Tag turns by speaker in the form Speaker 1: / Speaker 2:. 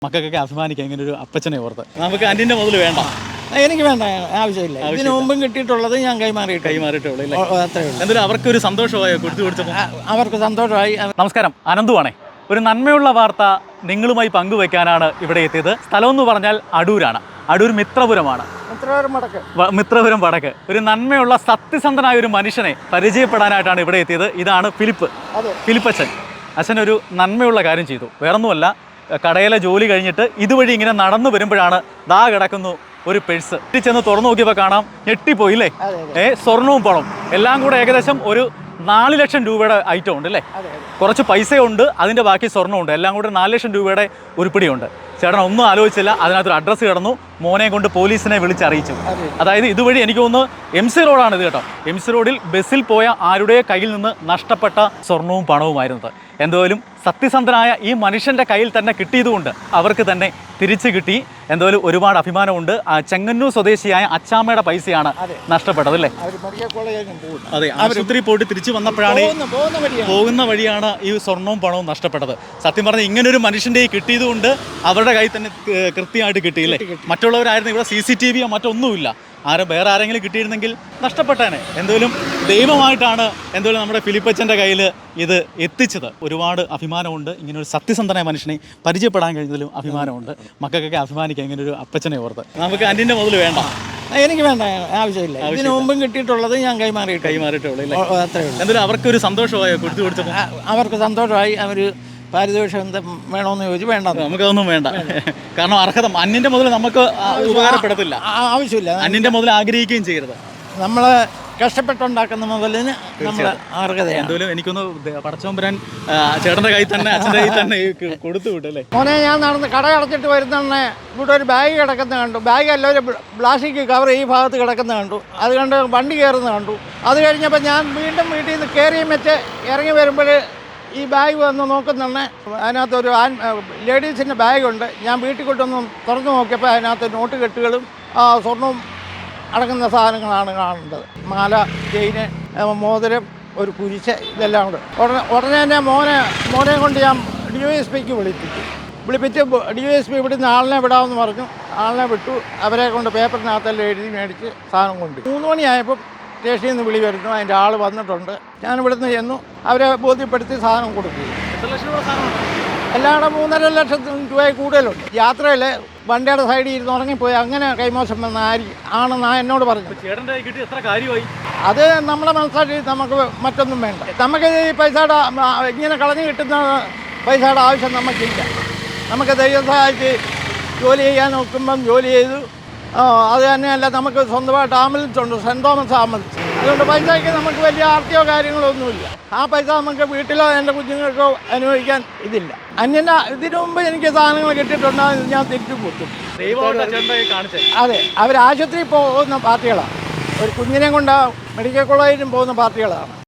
Speaker 1: മക്കൾക്കൊക്കെ അഭിമാനിക്കാം ഇങ്ങനെ ഒരു അപ്പച്ചനെ ഓർത്ത്. നമുക്ക് അന്യൻ്റെ മുതൽ വേണ്ട,
Speaker 2: എനിക്ക് വേണ്ട, ആവശ്യമില്ല. ഇതിനു മുമ്പും കിട്ടിയിട്ടുള്ളത് ഞാൻ
Speaker 1: കൈമാറിയിട്ടുള്ളൂ. എന്തായാലും അവർക്കൊരു സന്തോഷമായോ കൊടുത്തു കൊടുത്തപ്പോൾ?
Speaker 2: അവർക്ക് സന്തോഷമായി.
Speaker 1: നമസ്കാരം, അനന്തുവാണേ. ഒരു നന്മയുള്ള വാർത്ത നിങ്ങളുമായി പങ്കുവയ്ക്കാനാണ് ഇവിടെ എത്തിയത്. സ്ഥലം എന്ന് പറഞ്ഞാൽ അടൂരാണ്. അടൂർ മിത്രപുരമാണ്. മിത്രപുരം വടക്ക്. ഒരു നന്മയുള്ള സത്യസന്ധനായ ഒരു മനുഷ്യനെ പരിചയപ്പെടാനായിട്ടാണ് ഇവിടെ എത്തിയത്. ഇതാണ് ഫിലിപ്പച്ചൻ. അച്ഛനൊരു നന്മയുള്ള കാര്യം ചെയ്തു. വേറൊന്നുമല്ല, കടയിലെ ജോലി കഴിഞ്ഞിട്ട് ഇതുവഴി ഇങ്ങനെ നടന്നു വരുമ്പോഴാണ് ദാ കിടക്കുന്നു ഒരു പേഴ്സ്. ചെന്ന് തുറന്നു നോക്കിയപ്പോൾ കാണാം, ഞെട്ടിപ്പോയില്ലേ. സ്വർണവും പണവും എല്ലാം കൂടെ ഏകദേശം ഒരു 4 ലക്ഷം രൂപയുടെ ഐറ്റം ഉണ്ട് അല്ലേ. കുറച്ച് പൈസയുണ്ട്, അതിൻ്റെ ബാക്കി സ്വർണ്ണമുണ്ട്. എല്ലാം കൂടെ 4 ലക്ഷം രൂപയുടെ ഉരുപ്പിടിയുണ്ട്. ചേട്ടൻ ഒന്നും ആലോചിച്ചില്ല, അതിനകത്തൊരു അഡ്രസ്സ് കിടന്നു. മോനെ കൊണ്ട് പോലീസിനെ വിളിച്ചറിയിച്ചു. അതായത് ഇതുവഴി എനിക്ക് തോന്നുന്നു MC റോഡാണ് ഇത് കേട്ടോ. MC റോഡിൽ ബസ്സിൽ പോയ ആരുടെ കയ്യിൽ നിന്ന് നഷ്ടപ്പെട്ട സ്വർണവും പണവുമായിരുന്നത്. എന്തായാലും സത്യസന്ധനായ ഈ മനുഷ്യൻ്റെ കയ്യിൽ തന്നെ കിട്ടിയതുകൊണ്ട് അവർക്ക് തന്നെ തിരിച്ചു കിട്ടി. എന്തായാലും ഒരുപാട് അഭിമാനമുണ്ട്. ചെങ്ങന്നൂർ സ്വദേശിയായ അച്ചാമ്മയുടെ പൈസയാണ് നഷ്ടപ്പെട്ടത് അല്ലേ. അതെ, ആശുപത്രി പോയിട്ട് തിരിച്ചു വന്നപ്പോഴാണ് പോകുന്ന വഴിയാണ് ഈ സ്വർണവും പണവും നഷ്ടപ്പെട്ടത്. സത്യം പറഞ്ഞാൽ ഇങ്ങനൊരു മനുഷ്യൻ്റെ കിട്ടിയതുകൊണ്ട് അവരുടെ കയ്യിൽ തന്നെ കൃത്യമായിട്ട് കിട്ടിയില്ലേ. മറ്റുള്ളവരായിരുന്നു, ഇവിടെ CCTV മറ്റൊന്നുമില്ല. വേറെ ആരെങ്കിലും കിട്ടിയിരുന്നെങ്കിൽ നഷ്ടപ്പെട്ടേനെ. എന്തായാലും ദൈവമായിട്ടാണ് എന്തായാലും നമ്മുടെ ഫിലിപ്പച്ചൻ്റെ കയ്യിൽ ഇത് എത്തിച്ചത്. ഒരുപാട് അഭിമാനമുണ്ട്. ഇങ്ങനൊരു സത്യസന്ധനായ മനുഷ്യനെ പരിചയപ്പെടാൻ കഴിഞ്ഞതിലും അഭിമാനമുണ്ട്. മക്കൾക്കൊക്കെ അഭിമാനിക്കാം ഇങ്ങനൊരു അപ്പച്ചനെ ഓർത്ത്. നമുക്ക് അന്യൻ്റെ മുതൽ വേണ്ട,
Speaker 2: എനിക്ക് വേണ്ട, ആവശ്യമില്ല. ഇതിനു മുമ്പും കിട്ടിയിട്ടുള്ളത് ഞാൻ
Speaker 1: കൈമാറിയിട്ടുള്ളൂ. എന്തായാലും അവർക്കൊരു സന്തോഷമായോ കൊടുത്തു കൊടുത്തപ്പോൾ?
Speaker 2: അവർക്ക് സന്തോഷമായി. അവർ പാരിതോഷം എന്താ വേണമെന്ന് ചോദിച്ചു. വേണ്ട,
Speaker 1: നമുക്കതൊന്നും വേണ്ട. കാരണം അർഹത അന്യൻ്റെ മുതൽ നമുക്ക് ഉപകാരപ്പെടത്തില്ല.
Speaker 2: ആവശ്യമില്ല.
Speaker 1: അന്യൻ്റെ മുതൽ ആഗ്രഹിക്കുകയും ചെയ്യരുത്.
Speaker 2: നമ്മൾ കഷ്ടപ്പെട്ടുണ്ടാക്കുന്ന മുതലിന് നമ്മൾ അർഹതയാണ്.
Speaker 1: എന്തായാലും എനിക്കൊന്ന് പടച്ചോമ്പരാൻ ചേട്ടൻ്റെ കയ്യിൽ തന്നെ അച്ഛൻ്റെ കയ്യിൽ തന്നെ കൊടുത്തു വിട്ടല്ലേ.
Speaker 2: മോനെ, ഞാൻ നടന്ന് കട അടച്ചിട്ട് വരുന്നതന്നെ ഇവിടെ ഒരു ബാഗ് കിടക്കുന്ന കണ്ടു. ബാഗ് അല്ല, ഒരു പ്ലാസ്റ്റിക് കവർ ഈ ഭാഗത്ത് കിടക്കുന്ന കണ്ടു. അത് കണ്ട് വണ്ടി കയറുന്ന കണ്ടു. അത് കഴിഞ്ഞപ്പോൾ ഞാൻ വീണ്ടും വീട്ടിൽ നിന്ന് കയറിയും വെച്ച് ഇറങ്ങി വരുമ്പോൾ ഈ ബാഗ് വന്ന് നോക്കുന്നുണ്ട്. അതിനകത്തൊരു ലേഡീസിൻ്റെ ബാഗുണ്ട്. ഞാൻ വീട്ടിൽ കൊണ്ടൊന്ന് തുറന്നു നോക്കിയപ്പോൾ അതിനകത്ത് നോട്ട് കെട്ടുകളും സ്വർണവും അടങ്ങുന്ന സാധനങ്ങളാണ് കാണേണ്ടത്. മാല, ചെയിന്, മോതിരം, ഒരു കുരിശ്, ഇതെല്ലാം കൂടെ. ഉടനെ തന്നെ മോനെ കൊണ്ട് ഞാൻ DYSPക്ക് വിളിപ്പിച്ച് DYSP ഇവിടുന്ന് ആളിനെ വിടാമെന്ന് പറഞ്ഞു. ആളിനെ വിട്ടു. അവരെ കൊണ്ട് പേപ്പറിനകത്തെല്ലാം എഴുതി മേടിച്ച് സാധനം കൊണ്ട് 3 മണിയായപ്പോൾ സ്റ്റേഷനിൽ നിന്ന് വിളി വരുന്നു. അതിൻ്റെ ആൾ വന്നിട്ടുണ്ട്. ഞാൻ ഇവിടുന്ന് ചെന്നു. അവരെ ബോധ്യപ്പെടുത്തി സാധനം കൊടുത്തു. എല്ലാവരുടെ 3.5 ലക്ഷത്തിന് രൂപയിൽ കൂടുതലുണ്ട്. യാത്രയിൽ വണ്ടിയുടെ സൈഡിൽ ഇരുന്ന് ഉറങ്ങിപ്പോയി അങ്ങനെ കൈമോശം വന്ന ആണെന്നാ എന്നോട് പറഞ്ഞു. അത് നമ്മളെ മനസ്സിലാക്കി നമുക്ക് മറ്റൊന്നും വേണ്ട. നമുക്ക് ഈ പൈസയുടെ ഇങ്ങനെ കളഞ്ഞു കിട്ടുന്ന പൈസയുടെ ആവശ്യം നമുക്കില്ല. നമുക്ക് ദൈവം സഹായിച്ച് ജോലി ചെയ്യാൻ നോക്കുമ്പം ജോലി ചെയ്തു. അത് തന്നെയല്ല, നമുക്ക് സ്വന്തമായിട്ട് ആംബുലൻസ് ഉണ്ട്, സെൻറ് തോമസ് ആംബുലൻസ്. അതുകൊണ്ട് പൈസയ്ക്ക് നമുക്ക് വലിയ ആർത്തിയോ കാര്യങ്ങളോ ഒന്നുമില്ല. ആ പൈസ നമുക്ക് വീട്ടിലോ എൻ്റെ കുഞ്ഞുങ്ങൾക്കോ അനുഭവിക്കാൻ ഇതില്ല. ഇതിനു മുമ്പ് എനിക്ക് സാധനങ്ങൾ കിട്ടിയിട്ടുണ്ടെങ്കിൽ ഞാൻ തിരിച്ചു കൊടുത്തു. അതെ, അവർ ആശുപത്രിയിൽ പോകുന്ന പാർട്ടികളാണ്. ഒരു കുഞ്ഞിനെ കൊണ്ട് മെഡിക്കൽ കോളേജിലും പോകുന്ന പാർട്ടികളാണ്.